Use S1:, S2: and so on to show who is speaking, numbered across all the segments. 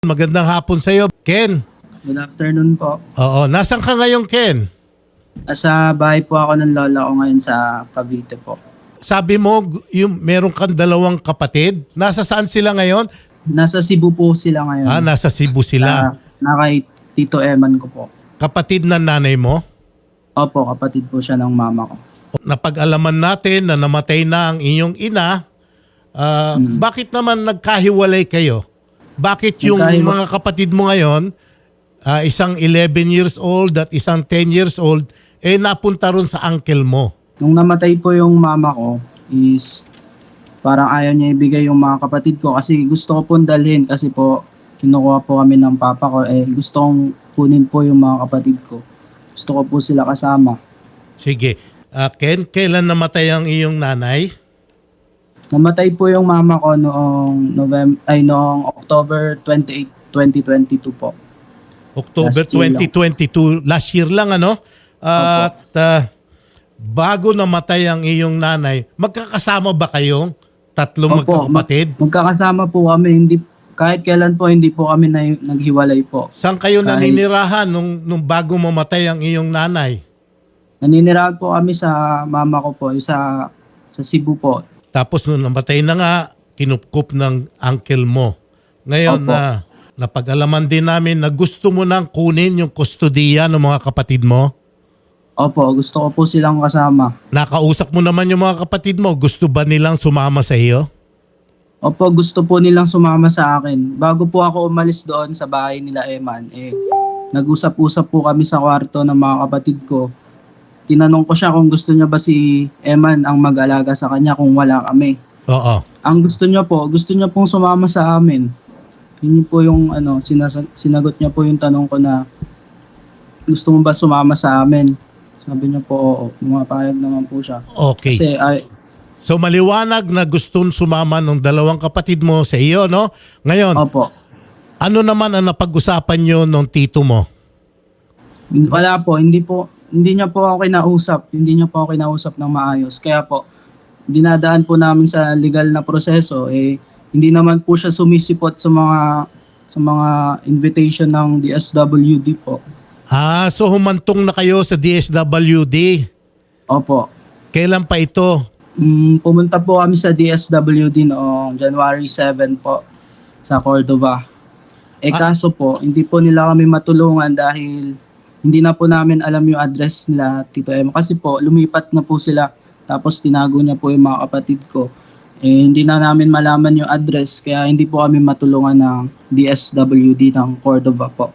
S1: Magandang hapon sa iyo, Ken.
S2: Good afternoon po.
S1: Oo, nasan ka ngayon, Ken?
S2: Sa bahay po ako ng lola ko ngayon sa Cavite po.
S1: Sabi mo, yung meron kang dalawang kapatid. Nasa saan sila ngayon?
S2: Nasa Cebu po sila ngayon.
S1: Nasa Cebu sila.
S2: Na kay Tito Eman ko po.
S1: Kapatid ng nanay mo?
S2: Opo, kapatid po siya ng mama ko.
S1: Napag-alaman natin na namatay na ang inyong ina. Bakit naman nagkahiwalay kayo? Bakit yung mga kapatid mo ngayon, isang 11 years old at isang 10 years old, napunta ron sa uncle mo?
S2: Nung namatay po yung mama ko is parang ayaw niya ibigay yung mga kapatid ko kasi gusto ko pong dalhin kasi po kinukuha po kami ng papa ko. Gusto kong kunin po yung mga kapatid ko. Gusto ko po sila kasama.
S1: Sige. Ken, kailan namatay ang iyong nanay?
S2: Namatay po yung mama ko noong October 28, 2022 po.
S1: October
S2: Last year
S1: 2022, last year lang ano? At bago namatay ang iyong nanay, magkakasama ba kayong tatlong magkakapatid?
S2: Magkakasama po kami. Kahit kailan po hindi po kami naghiwalay po.
S1: Saan kayo naninirahan nung bago mamatay ang iyong nanay?
S2: Naninirahan po kami sa mama ko po, sa Cebu po.
S1: Tapos nung namatay na nga, kinupkup ng uncle mo. Ngayon na napag-alaman din namin na gusto mo nang kunin yung kustodiya ng mga kapatid mo.
S2: Opo, gusto ko po silang kasama.
S1: Nakausap mo naman yung mga kapatid mo. Gusto ba nilang sumama sa iyo?
S2: Opo, gusto po nilang sumama sa akin. Bago po ako umalis doon sa bahay nila Eman, nag-usap-usap po kami sa kwarto ng mga kapatid ko. Tinanong ko siya kung gusto niya ba si Eman ang mag-alaga sa kanya kung wala kami.
S1: Oo.
S2: Ang gusto niya pong sumama sa amin. Yun po yung sinagot niya po yung tanong ko na gusto mo ba sumama sa amin? Sabi niya po oo. Pumapayag naman po siya.
S1: Okay.
S2: Kasi
S1: So maliwanag na gustong sumama ng dalawang kapatid mo sa iyo, no? Ngayon,
S2: opo.
S1: ano naman ang napag-usapan nyo ng tito mo?
S2: Wala po, hindi niya po ako kinausap ng maayos. Kaya po, dinadaan po namin sa legal na proseso. Hindi naman po siya sumisipot sa mga invitation ng DSWD po.
S1: So humantong na kayo sa DSWD.
S2: Opo.
S1: Kailan pa ito?
S2: Pumunta po kami sa DSWD noong January 7 po sa Cordova. Kaso po, hindi po nila kami matulungan dahil hindi na po namin alam yung address nila, Tito Emma. Kasi po, lumipat na po sila. Tapos tinago niya po yung mga kapatid ko. Hindi na namin malaman yung address. Kaya hindi po kami matulungan ng DSWD ng Cordova po.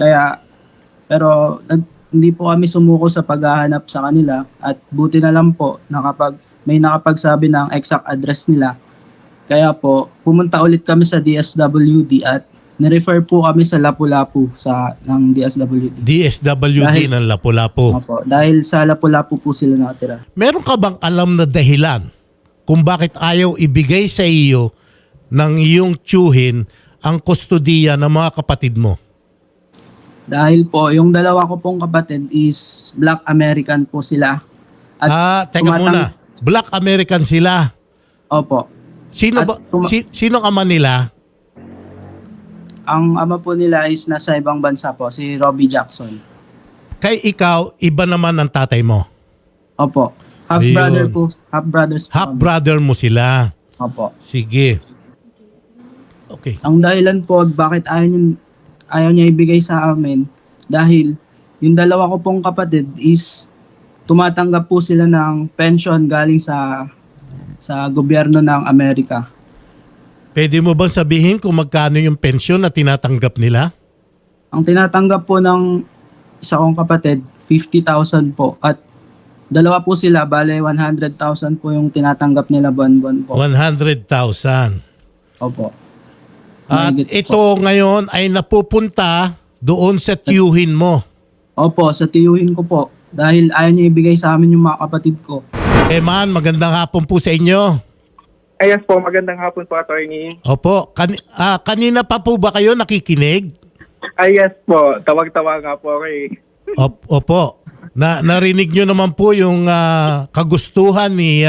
S2: Pero hindi po kami sumuko sa paghahanap sa kanila. At buti na lang po na kapag may nakapagsabi ng exact address nila. Kaya po, pumunta ulit kami sa DSWD at nirefer po kami sa Lapu-Lapu ng DSWD.
S1: DSWD ng Lapu-Lapu.
S2: Opo, dahil sa Lapu-Lapu po sila nakatira.
S1: Meron ka bang alam na dahilan kung bakit ayaw ibigay sa iyo ng iyong tiyuhin ang kustodiya ng mga kapatid mo?
S2: Dahil po, yung dalawa ko pong kapatid is Black American po sila.
S1: Teka muna. Black American sila.
S2: Opo.
S1: Sino ama nila?
S2: Ang ama po nila is nasa ibang bansa po, si Robbie Jackson.
S1: Kay ikaw, iba naman ang tatay mo?
S2: Opo. Half-brothers po.
S1: Half-brother mo sila?
S2: Opo.
S1: Sige. Okay.
S2: Ang dahilan po bakit ayaw niya ibigay sa amin, dahil yung dalawa ko pong kapatid is tumatanggap po sila ng pension galing sa gobyerno ng Amerika.
S1: Pwede mo bang sabihin kung magkano yung pensyon na tinatanggap nila?
S2: Ang tinatanggap po ng isa kong kapatid, 50,000 po. At dalawa po sila, bale 100,000 po yung tinatanggap nila buwan-buwan po.
S1: 100,000.
S2: Opo.
S1: At ito ngayon ay napupunta doon sa tiyuhin mo.
S2: Opo, sa tiyuhin ko po. Dahil ayaw niya ibigay sa amin yung mga kapatid ko.
S1: Eman, magandang hapon po sa inyo.
S3: Yes po, magandang hapon po, attorney.
S1: Opo, kanina pa po ba kayo nakikinig?
S3: Yes po, tawag-tawa nga po ako eh.
S1: Opo, narinig nyo naman po yung kagustuhan ni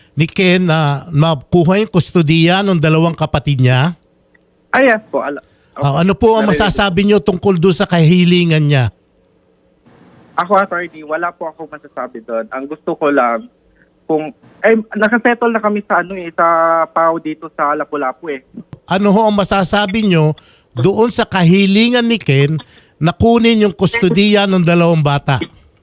S1: Ken na makuha yung kustodiya ng dalawang kapatid niya?
S3: Yes po.
S1: Ano po ang masasabi nyo tungkol doon sa kahilingan niya?
S3: Ako, attorney, wala po ako masasabi doon. Ang gusto ko lang, kung, nakasettle na kami sa sa PAO dito sa Lapu-Lapu eh.
S1: Ano ho ang masasabi nyo doon sa kahilingan ni Ken na kunin yung kustodiya ng 2 bata?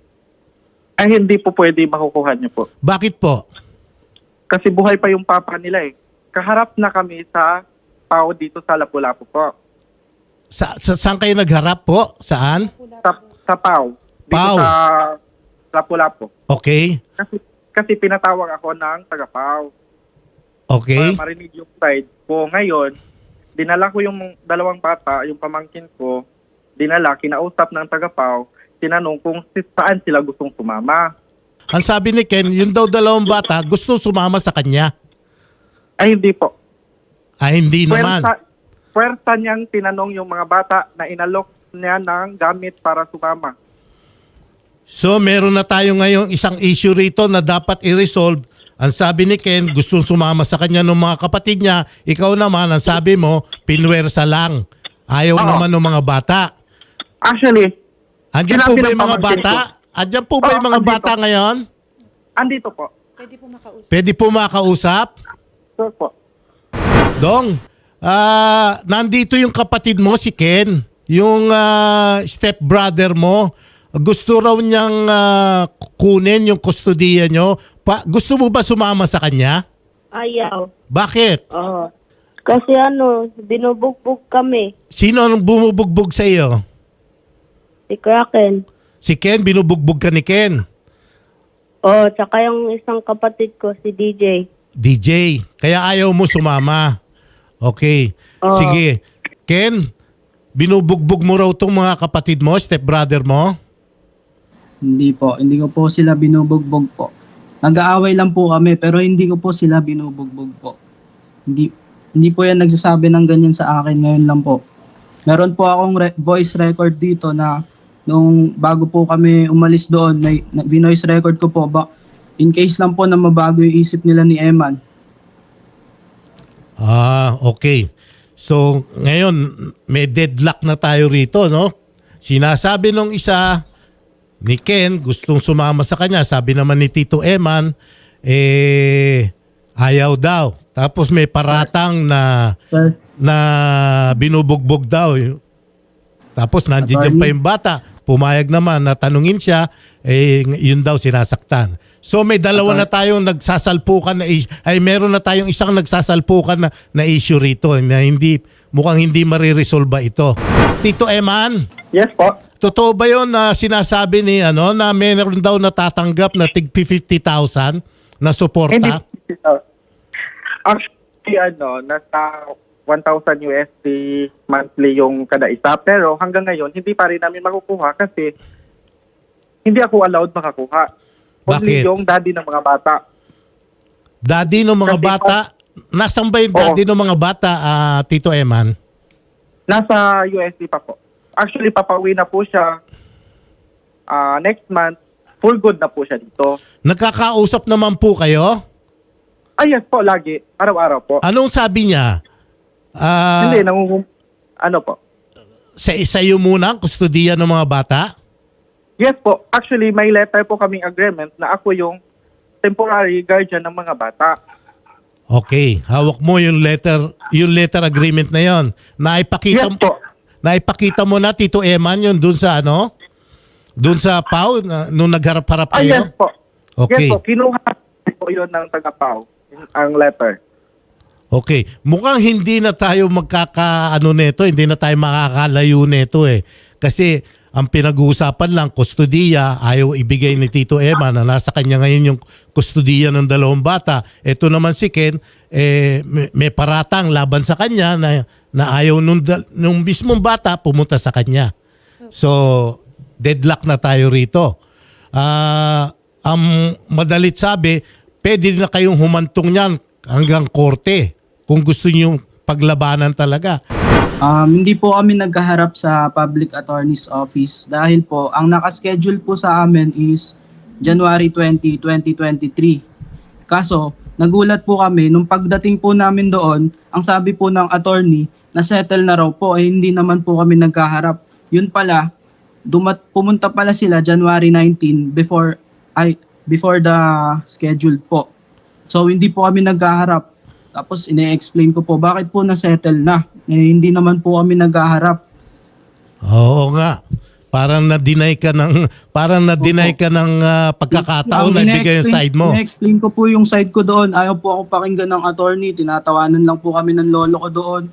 S3: Ay, hindi po pwede makukuha niyo po.
S1: Bakit po?
S3: Kasi buhay pa yung papa nila eh. Kaharap na kami sa PAO dito sa Lapu-Lapu po.
S1: Saan kayo nagharap po? Saan?
S3: Sa PAO. Dito
S1: PAO.
S3: sa Lapu-Lapu.
S1: Okay.
S3: Kasi pinatawag ako ng taga-PAO.
S1: Okay.
S3: Para marinig yung side ko. Ngayon, dinala ko yung 2 bata, yung pamangkin ko, dinala, kinausap ng taga-PAO, tinanong kung saan sila gustong sumama.
S1: Ang sabi ni Ken, yung daw 2 bata gusto sumama sa kanya.
S3: Ay, hindi po.
S1: Hindi naman.
S3: Pwersa niyang tinanong yung mga bata na inalok niya ng gamit para sumama.
S1: So meron na tayo ngayong isang issue rito na dapat i-resolve. Ang sabi ni Ken, gustong sumama sa kanya ng mga kapatid niya. Ikaw naman, ang sabi mo, pinwersa lang. Ayaw naman ng mga bata.
S3: Actually,
S1: Andiyan po
S3: sinabi
S1: ba
S3: ng
S1: yung mga
S3: pamangkin
S1: bata? Andiyan po ba yung mga
S3: andito.
S1: bata ngayon?
S3: Andito po.
S1: Pwede po makausap?
S3: Sure po.
S1: Dong, nandito yung kapatid mo, si Ken. Yung stepbrother mo. Gusto raw niyang kunin yung kustodiya nyo. Gusto mo ba sumama sa kanya?
S4: Ayaw.
S1: Bakit?
S4: Oo. Kasi binubugbog kami.
S1: Sino ang bumubugbog sa iyo?
S4: Si Kraken.
S1: Si Ken, binubugbog ka ni Ken.
S4: Oo, tsaka yung isang kapatid ko, si DJ.
S1: DJ, kaya ayaw mo sumama. Okay.
S4: Oo.
S1: Sige. Ken, binubugbog mo raw tong mga kapatid mo, stepbrother mo?
S2: Hindi po, hindi ko po sila binubugbog po. Nag-aaway lang po kami pero hindi ko po sila binubugbog po. Hindi po yan nagsasabi ng ganyan sa akin ngayon lang po. Meron po akong voice record dito na nung bago po kami umalis doon, binoice record ko po in case lang po na mabago yung isip nila ni Eman.
S1: Okay. So, ngayon, may deadlock na tayo rito, no? Sinasabi nung isa ni Ken, gustong sumama sa kanya. Sabi naman ni Tito Eman, ayaw daw. Tapos may paratang
S2: Sir,
S1: na binubugbog daw. Tapos nandiyan pa yung bata. Pumayag naman na tanungin siya, yun daw sinasaktan. So may dalawa na tayong nagsasalpukan meron na tayong isang nagsasalpukan na issue rito na mukhang hindi mariresolba ito. Tito Eman,
S3: Yes po.
S1: totoo ba yun na sinasabi ni na meron daw natatanggap na tig 50,000 na suporta?
S3: Actually, nasa 1,000 USD monthly yung kada isa. Pero hanggang ngayon, hindi pa rin namin makukuha kasi hindi ako allowed makakuha. Only
S1: Bakit?
S3: yung daddy ng mga bata.
S1: Daddy ng mga
S3: Kasi
S1: bata, nasan ba yung daddy ng mga bata, Tito Eman?
S3: Nasa USD pa po. Actually, papauwi na po siya next month. Full good na po siya dito.
S1: Nagkakausap naman po kayo?
S3: Yes po, lagi. Araw-araw po.
S1: Anong sabi niya?
S3: Hindi, ano po?
S1: Sa iyo muna ang kustodiya ng mga bata?
S3: Yes po. Actually, may letter po kaming agreement na ako yung temporary guardian ng mga bata.
S1: Okay, hawak mo yung letter agreement na yon.
S3: Yes po.
S1: Naipakita mo na Tito Eman yun doon sa doon sa PAO nung nagharap-harap kayo?
S3: Yes po.
S1: Okay.
S3: Yes po. Kinuha po yun ng taga-PAO, ang letter.
S1: Okay. Mukhang hindi na tayo nito, hindi na tayo makakalayo nito eh. Kasi ang pinag-uusapan lang, kustodiya, ayaw ibigay ni Tito Eman na nasa kanya ngayon yung kustodiya ng 2 bata. Ito naman si Ken, may paratang laban sa kanya na ayaw nung mismong bata pumunta sa kanya. So, deadlock na tayo rito. Ang madalit sabi, pwede na kayong humantong niyan hanggang korte kung gusto niyo paglabanan talaga.
S2: Hindi po kami nagkaharap sa Public Attorney's Office dahil po ang nakaschedule po sa amin is January 20, 2023. Kaso, nagulat po kami nung pagdating po namin doon, ang sabi po ng attorney, na-settle na raw po, eh hindi naman po kami nagkaharap. Yun pala, pumunta pala sila January 19 before the schedule po. So hindi po kami nagkaharap. Tapos ine-explain ko po bakit po na-settle na. Eh, hindi naman po kami nagkaharap.
S1: Oo nga. Parang na-deny ka ng pagkakataon na ibigay yung side mo.
S2: Ine-explain ko po yung side ko doon. Ayaw po ako pakinggan ng attorney. Tinatawanan lang po kami ng lolo ko doon.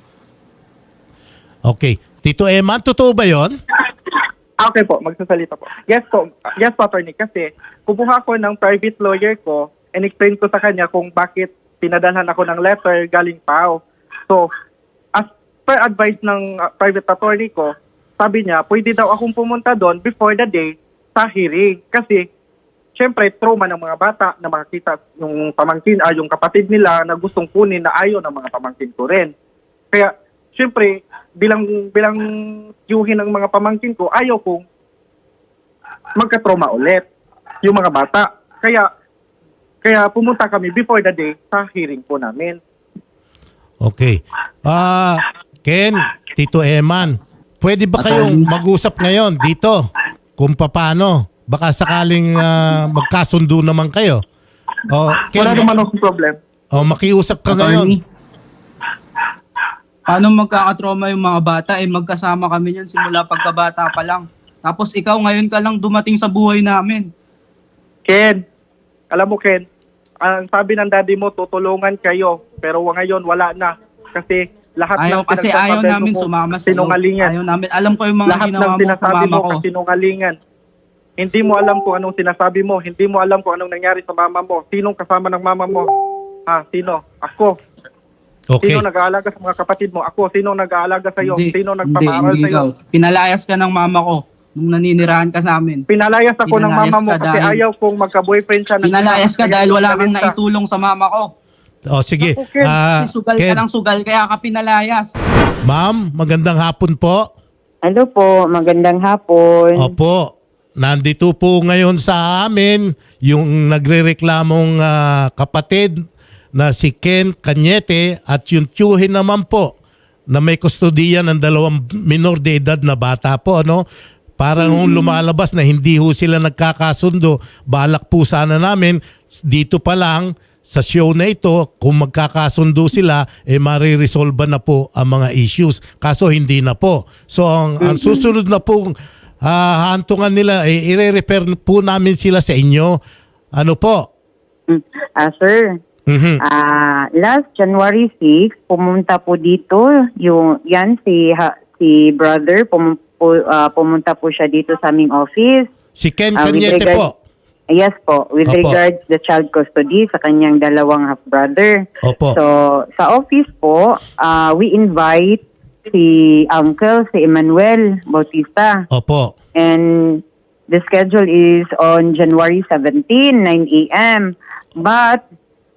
S1: Okay. Tito Eman, totoo ba yon?
S3: Okay po, magsasalita po. Yes po, attorney. Kasi kumuha ko ng private lawyer ko and explain ko sa kanya kung bakit pinadalhan ako ng letter galing PAO. So, as per advice ng private attorney ko, sabi niya, pwede daw akong pumunta doon before the day sa hearing. Kasi, syempre, trauma ng mga bata na makakita yung pamangkin, yung kapatid nila na gustong kunin na ayaw ng mga pamangkin ko rin. Kaya, syempre, bilang tiyuhin ng mga pamangkin ko, ayaw kong magka-trauma ulit yung mga bata. Kaya pumunta kami before the day sa hearing po namin.
S1: Okay. Ken, Tito Eman, pwede ba kayong mag-usap ngayon dito kung paano? Baka sakaling magkasundo naman kayo. Ken,
S3: Wala naman akong problem.
S1: makiusap ka ngayon.
S2: Paano magkakatrauma yung mga bata? Eh magkasama kami niyan simula pagkabata pa lang. Tapos ikaw ngayon ka lang dumating sa buhay namin.
S3: Ken, alam mo Ken, ang sabi ng daddy mo, tutulungan kayo. Pero ngayon, wala na. Kasi lahat ng
S2: ayaw namin sumama sa
S3: sinungalingan.
S2: Ayaw namin. Alam ko yung mga
S3: Lahat
S2: ginawa
S3: ng
S2: mo sa
S3: sinasabi
S2: mama
S3: mo
S2: ko.
S3: kasinungalingan. Hindi mo alam kung anong sinasabi mo. Hindi mo alam kung anong nangyari sa mama mo. Sinong kasama ng mama mo? Sino? Ako.
S1: Okay.
S3: Sino nag-aalaga sa mga kapatid mo? Ako. Sino nag-aalaga sa iyo? Sino nagpapaaral
S2: hindi
S3: sa iyo?
S2: ikaw. Pinalayas ka ng mama ko nung naninirahan ka sa amin.
S3: Pinalayas ako ng
S2: Pinalayas
S3: mama mo
S2: ka
S3: kasi
S2: dahil-
S3: ayaw kong magka-boyfriend siya.
S2: Pinalayas ka dahil wala kang
S3: Kaya-
S2: naitulong sa mama ko.
S1: Sige.
S3: Ako, Ken.
S2: Kasi sugal ka
S1: Ken,
S2: ng sugal kaya ka pinalayas.
S1: ma'am, magandang hapon po.
S5: Hello po, magandang hapon.
S1: Opo. Nandito po ngayon sa amin yung nagrereklamong kapatid na si Ken Cañete at yung tiyuhin naman po na may kustodiya ng 2 minor de edad na bata po, ano? Parang lumalabas na hindi ho sila nagkakasundo. Balak po sana namin dito pa lang sa show na ito, kung magkakasundo sila, mariresolve na po ang mga issues. Kaso hindi na po. So ang susunod na po hantungan nila, i-refer po namin sila sa inyo. Ano po?
S5: Sir,
S1: Mhm.
S5: last January 6, pumunta po dito, si brother, pumunta po siya dito sa aming office.
S1: Si Ken
S5: with
S1: Cañete
S5: regard-
S1: po.
S5: Yes po, with
S1: Opo.
S5: regards the child custody sa kanyang 2 half-brother.
S1: Opo.
S5: So, sa office po, we invite si Uncle, si Emmanuel Bautista.
S1: Opo.
S5: And the schedule is on January 17, 9 a.m. But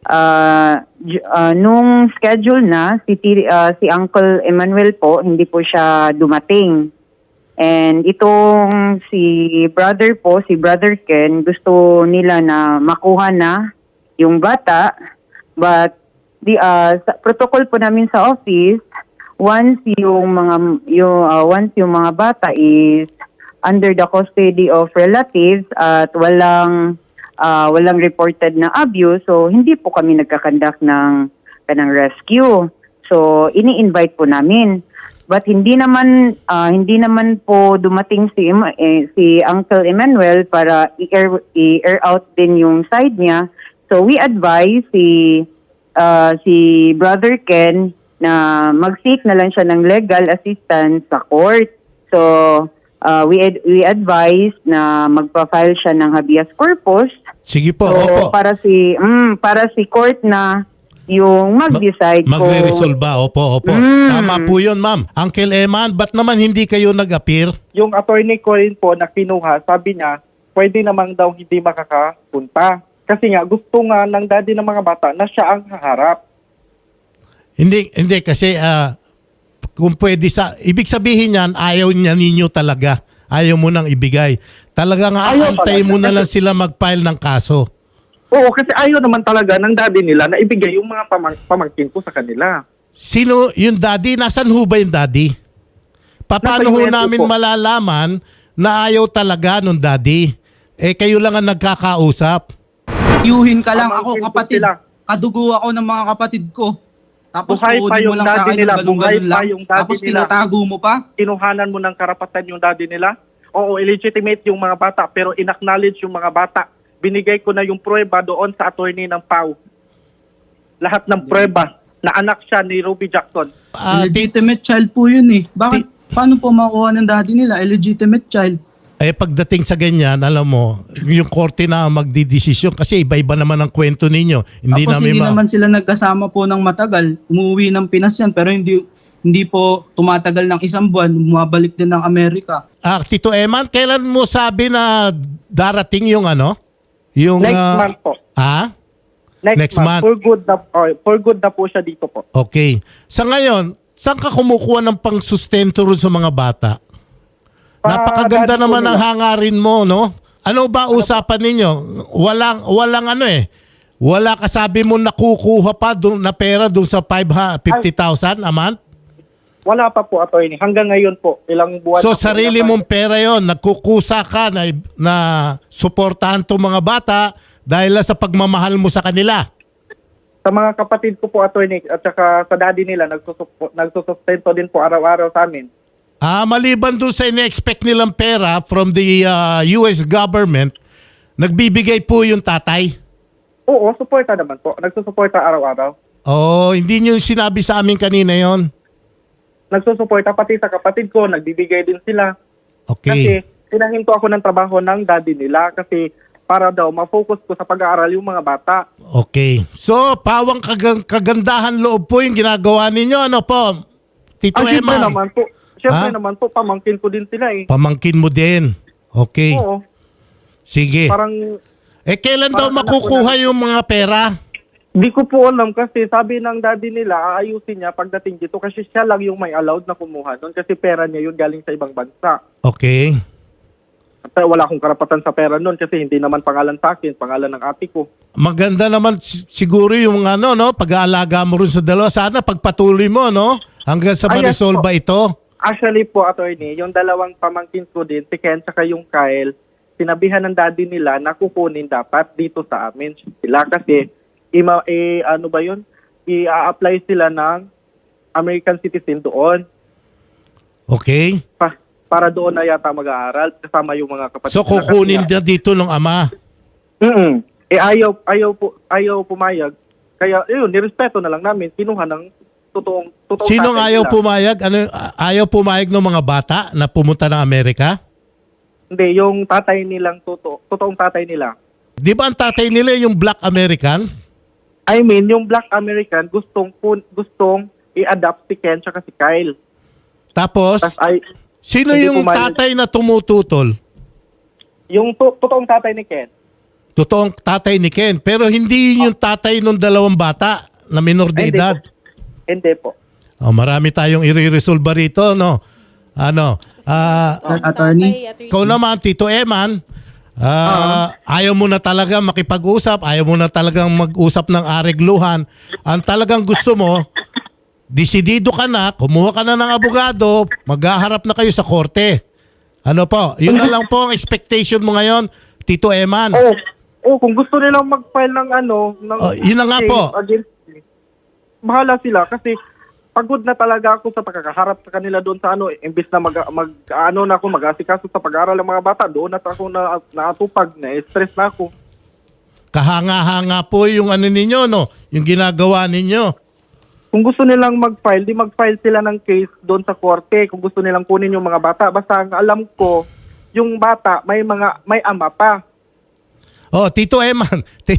S5: nung schedule na, si Uncle Emmanuel po, hindi po siya dumating. And itong si Brother Ken, gusto nila na makuha na yung bata. But sa protocol po namin sa office, once yung mga bata is under the custody of relatives at walang reported na abuse, so hindi po kami nagkakandak ng rescue. So ini-invite po namin. But hindi naman po dumating si Uncle Emmanuel para i-air out din yung side niya. So we advise si Brother Ken na mag-seek na lang siya ng legal assistance sa court. So we advise na magpa-file siya ng habeas corpus.
S1: Sige po.
S5: So
S1: Opo.
S5: para si court na yung mag-decide
S1: Magre-resolve ba? Opo. Tama po yun, ma'am. Uncle Eman, ba't naman hindi kayo nag-appear?
S3: Yung attorney ko rin po na kinuha, sabi niya, pwede namang daw hindi makakapunta. Kasi nga, gusto nga ng daddy ng mga bata na siya ang haharap.
S1: Hindi kasi kung pwede ibig sabihin niyan, ayaw niya ninyo talaga. Ayaw mo nang ibigay. Talagang aantay mo na lang sila mag-file ng kaso.
S3: Oo, kasi ayaw naman talaga ng daddy nila na ibigay yung mga pamangkin ko sa kanila.
S1: Sino yung daddy? Nasaan ho ba yung daddy? Paano
S3: Nasa
S1: ho
S3: US
S1: namin
S3: po.
S1: malalaman na ayaw talaga nung daddy? Eh kayo lang ang nagkakausap.
S2: Yuhin ka lang ako
S3: Pamangkin ko
S2: kapatid.
S3: sila.
S2: Kadugo ako ng mga kapatid ko. Tapos
S3: Buhay pa
S2: tuodin mo
S3: yung
S2: lang sa
S3: daddy
S2: akin
S3: nila,
S2: ng ganun-ganun
S3: buhay pa
S2: lang.
S3: yung daddy
S2: Tapos
S3: nila.
S2: tinatago mo pa.
S3: Kinuhanan mo ng karapatan yung daddy nila. Oo, illegitimate yung mga bata, pero inacknowledge yung mga bata. Binigay ko na yung prueba doon sa attorney ng PAW. Lahat ng prueba na anak siya ni Ruby Jackson.
S2: Illegitimate child po yun eh. Bakit? Paano po makuha ng daddy nila? Illegitimate child.
S1: Pagdating sa ganyan, alam mo, yung korte na magdidesisyon kasi iba-iba naman ang kwento ninyo. Hindi
S2: Tapos
S1: namin
S2: hindi naman sila nagkasama po ng matagal. Umuwi ng Pinas yan pero hindi po tumatagal ng isang buwan. Bumabalik din ng Amerika.
S1: Tito Eman, kailan mo sabi na darating yung ano? Yung
S3: Next month po. Next month. For good na po siya dito po.
S1: Okay. Sa ngayon, saan ka kumukuha ng pangsustento rin sa mga bata? Napakaganda
S3: daddy po
S1: naman
S3: nila.
S1: ang hangarin mo, no? Ano ba usapan ninyo? Walang ano eh. Wala ka sabi mo nakukuha pa na pera doon sa 50,000 a month?
S3: Wala pa po, attorney. Hanggang ngayon po, ilang buwan
S1: So
S3: na po
S1: sarili
S3: na-
S1: mong pera yon, nagkukusa ka na suportahan tong mga bata dahil lang sa pagmamahal mo sa kanila.
S3: Sa mga kapatid ko po, attorney, at saka sa daddy nila, nagsusustento din po araw-araw sa amin.
S1: Maliban doon sa ine-expect nilang pera from the US government, nagbibigay po yung tatay.
S3: Oo, suporta naman po. Nagsusuporta araw-araw.
S1: Hindi niyo sinabi sa amin kanina yon.
S3: Nagsusuporta pati sa kapatid ko, nagbibigay din sila. Kasi
S1: Okay.
S3: pinahinto ako ng trabaho ng daddy nila kasi para daw ma-focus ko sa pag-aaral yung mga bata.
S1: Okay. So, pawang kagandahan loob po yung ginagawa ninyo. Ano po? Tito
S3: Siyempre
S1: Emma.
S3: naman po. Siyempre
S1: Ha?
S3: naman po, pamangkin ko din sila eh.
S1: Pamangkin mo din. Okay.
S3: Oo.
S1: Sige.
S3: Parang
S1: Kailan daw
S3: parang anak
S1: makukuha yung mga pera?
S3: di ko po alam kasi sabi ng daddy nila, aayusin niya pagdating dito kasi siya lang yung may allowed na kumuha doon kasi pera niya yun galing sa ibang bansa.
S1: Okay.
S3: At wala akong karapatan sa pera noon kasi hindi naman pangalan sa akin, pangalan ng ate ko.
S1: Maganda naman siguro yung ano, no? Pag-aalaga mo rin sa dalawa. Sana pagpatuloy mo, no? Hanggang sa
S3: Yes
S1: ma-resolve
S3: po.
S1: ba ito?
S3: Actually po, attorney, yung dalawang pamangkin ko din, si Ken at yung Kyle, sinabihan ng daddy nila na kukunin dapat dito sa amin sila kasi ano ba yun? I-apply sila ng American citizen doon.
S1: Okay.
S3: Para doon na yata mag-aaral kasama yung mga kapatid.
S1: So,
S3: nila.
S1: kukunin
S3: Kasi
S1: na dito ng ama.
S3: ayaw pumayag. Kaya, yun, nirespeto na lang namin. Kinuha ng totoong
S1: Sinong
S3: tatay
S1: ayaw
S3: nila.
S1: pumayag? Ayaw pumayag ng mga bata na pumunta ng Amerika?
S3: Hindi, yung tatay nilang totoong tatay nila.
S1: Di ba ang tatay nila yung Black American?
S3: I mean, yung Black American gustong i-adapt si Ken tsaka si Kyle.
S1: Tapos, sino
S3: hindi
S1: yung
S3: pumayag.
S1: tatay na tumututol?
S3: Yung totoong tatay ni Ken.
S1: Totoong tatay ni Ken. Pero hindi yun yung tatay ng dalawang bata na minor de
S3: Ay,
S1: edad.
S3: Hindi po.
S1: Marami tayong i-resolve rito, no?
S2: Attorney.
S1: Ikaw naman, Tito Eman, ayaw mo na talaga makipag-usap, ayaw mo na talagang mag-usap ng aregluhan. Ang talagang gusto mo, desidido ka na, kumuha ka na ng abogado, maghaharap na kayo sa korte. Ano po? Yun na lang po ang expectation mo ngayon, Tito Eman.
S3: Kung gusto nilang mag-file ng
S1: Yun na nga
S3: case
S1: po.
S3: against me, bahala sila kasi pagod na talaga ako sa pagkakaharap sa kanila doon sa imbis na mag-asikaso sa pag-aaral ng mga bata, doon at ako naatupag, na-stress na ako.
S1: Kahanga-hanga po yung ano ninyo, no? Yung ginagawa ninyo.
S3: Kung gusto nilang mag-file, di mag-file sila ng case doon sa korte. Kung gusto nilang kunin yung mga bata, basta ang alam ko, yung bata may ama pa.
S1: Tito Eman,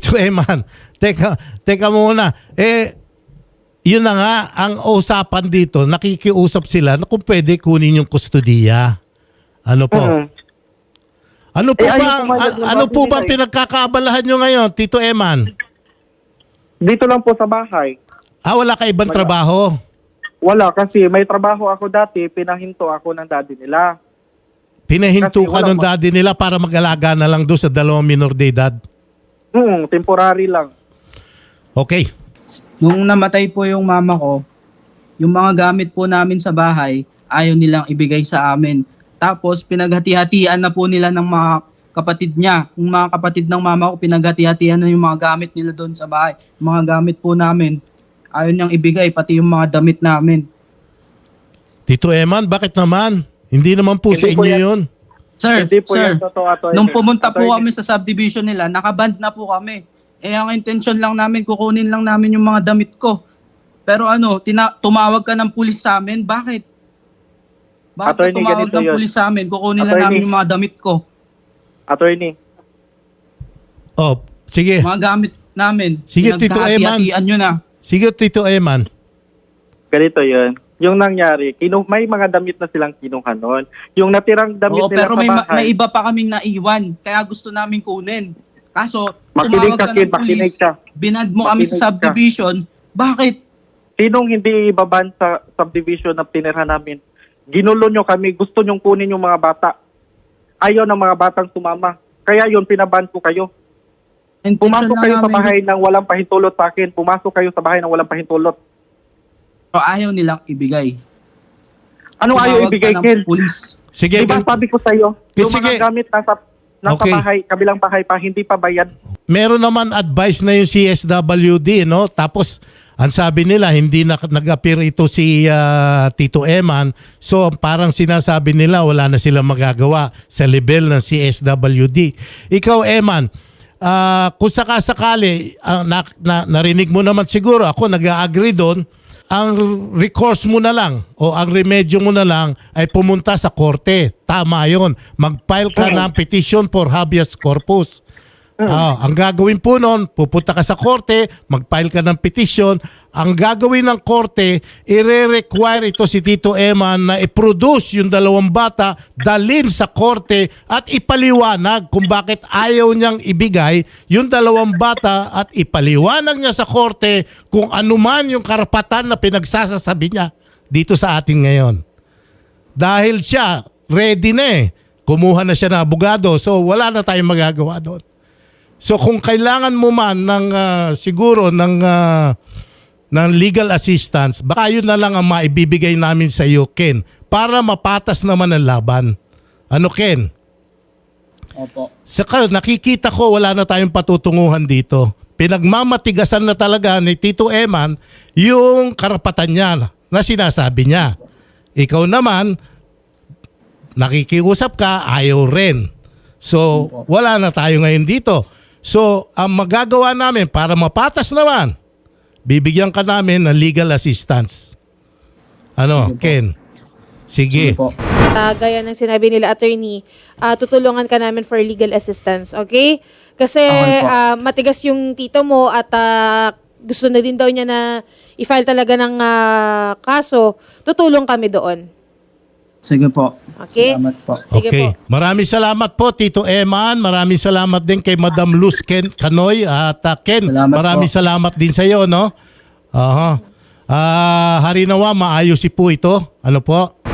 S1: teka muna. Yun na nga, ang usapan dito, nakikiusap sila na kung pwede kunin yung kustudiya. Ano po? Ano po
S3: ayaw pumayag ng
S1: ba
S3: daddy nila
S1: pinagkakaabalahan nyo ngayon, Tito Eman?
S3: Dito lang po sa bahay.
S1: Wala ka ibang trabaho?
S3: Wala kasi may trabaho ako dati, pinahinto ako ng daddy nila.
S1: Pinahinto
S3: Kasi
S1: ka
S3: wala
S1: ng daddy nila para mag-alaga na lang doon sa dalawang minor de edad?
S3: Temporary lang.
S1: Okay.
S2: Nung namatay po yung mama ko, yung mga gamit po namin sa bahay, ayaw nilang ibigay sa amin. Tapos pinaghati-hatian na po nila ng mga kapatid niya. Yung mga kapatid ng mama ko, pinaghati-hatian na yung mga gamit nila doon sa bahay. Yung mga gamit po namin, ayaw niyang ibigay, pati yung mga damit namin.
S1: Tito Eman, bakit naman? Hindi naman po sa
S3: Hindi po
S1: inyo
S3: yan.
S1: yun.
S2: Sir,
S3: Hindi po
S2: sir,
S3: yan totoo, Atty.
S2: nung pumunta po
S3: Atty.
S2: kami sa subdivision nila, nakaband na po kami. Ang intention lang namin, kukunin lang namin yung mga damit ko. Pero tumawag ka ng pulis sa amin, bakit? Bakit ka
S3: Attorney,
S2: tumawag
S3: ganito
S2: ng
S3: yun.
S2: pulis sa amin? Kukunin lang
S3: Attorney.
S2: namin yung mga damit ko.
S3: Attorney,
S1: Oh, sige.
S2: Mga gamit namin.
S1: Sige, Tito Eman.
S2: Pinaghati-hatian nyo na.
S1: Sige, Tito Eman.
S3: ganito yun. Yung nangyari, may mga damit na silang kinuha noon. Yung natirang damit
S2: Oo,
S3: nila
S2: pero
S3: sa
S2: may
S3: bahay,
S2: iba pa kaming naiwan. Kaya gusto namin kunin. Kaso,
S3: Makinig
S2: tumawag
S3: ka,
S2: ka
S3: kid,
S2: ng
S3: makinig
S2: pulis,
S3: ka.
S2: binad mo kami
S3: Makinig
S2: sa subdivision. Bakit?
S3: sinong hindi ibaban sa subdivision na tinira namin? Ginulo nyo kami, gusto nyong kunin yung mga bata. Ayaw ng mga batang sumama. Kaya yun, pinaban ko kayo.
S2: Intention
S3: Pumasok
S2: lang
S3: kayo sa
S2: namin-
S3: bahay ng walang pahintulot sa akin. Pumasok kayo sa bahay ng walang pahintulot.
S2: Pero ayaw nilang ibigay.
S3: Anong ayaw
S2: Tumawag
S3: ibigay,
S2: ka ng
S3: Ken?
S2: pulis.
S1: Sige,
S3: Diba
S1: gan-
S3: sabi ko sa'yo, yung
S1: Sige.
S3: mga gamit nasa
S1: Okay.
S3: bahay, kabilang bahay pa, hindi pa bayad.
S1: meron naman advice na yung CSWD, no? Tapos, ang sabi nila, hindi na nag-appear ito si Tito Eman. So, parang sinasabi nila, wala na silang magagawa sa level ng CSWD. Ikaw, Eman, kung sakasakali, narinig mo naman siguro, ako nag-agree doon, ang recourse mo na lang o ang remedyo mo na lang ay pumunta sa korte. Tama yon. Mag-file ka ng petition for habeas corpus. Ang gagawin po noon, pupunta ka sa korte, mag-file ka ng petition. Ang gagawin ng korte, i-require ito si Tito Eman na i-produce yung dalawang bata, dalhin sa korte at ipaliwanag kung bakit ayaw niyang ibigay yung dalawang bata at ipaliwanag niya sa korte kung anuman yung karapatan na pinagsasasabi niya dito sa atin ngayon. Dahil siya, ready na eh. Kumuha na siya ng abogado, so wala na tayong magagawa doon. So kung kailangan mo man ng siguro ng legal assistance, baka yun na lang ang maibibigay namin sa iyo, Ken, para mapatas naman ang laban. Ano, Ken?
S2: Opo.
S1: Saka nakikita ko wala na tayong patutunguhan dito. Pinagmamatigasan na talaga ni Tito Eman yung karapatan niya na sinasabi niya. Ikaw naman, nakikiusap ka, ayaw rin. So, wala na tayo ngayon dito. So, ang magagawa namin para mapatas naman, bibigyan ka namin ng legal assistance. Ano, Ken? Sige.
S2: Opo.
S6: Gaya ng sinabi nila, attorney, tutulungan ka namin for legal assistance, okay? Kasi
S2: Okay po.
S6: matigas yung tito mo at gusto na din daw niya na i-file talaga ng kaso, tutulong kami doon.
S2: Sige po.
S6: Okay?
S2: Salamat po.
S6: Sige
S1: Okay.
S6: po.
S1: Maraming salamat po, Tito Eman. Maraming salamat din kay Madam Luz Canoy. At Ken,
S2: Salamat
S1: maraming
S2: po.
S1: salamat din sa iyo, no? Aha. Harinawa, maayos po ito. Ano po?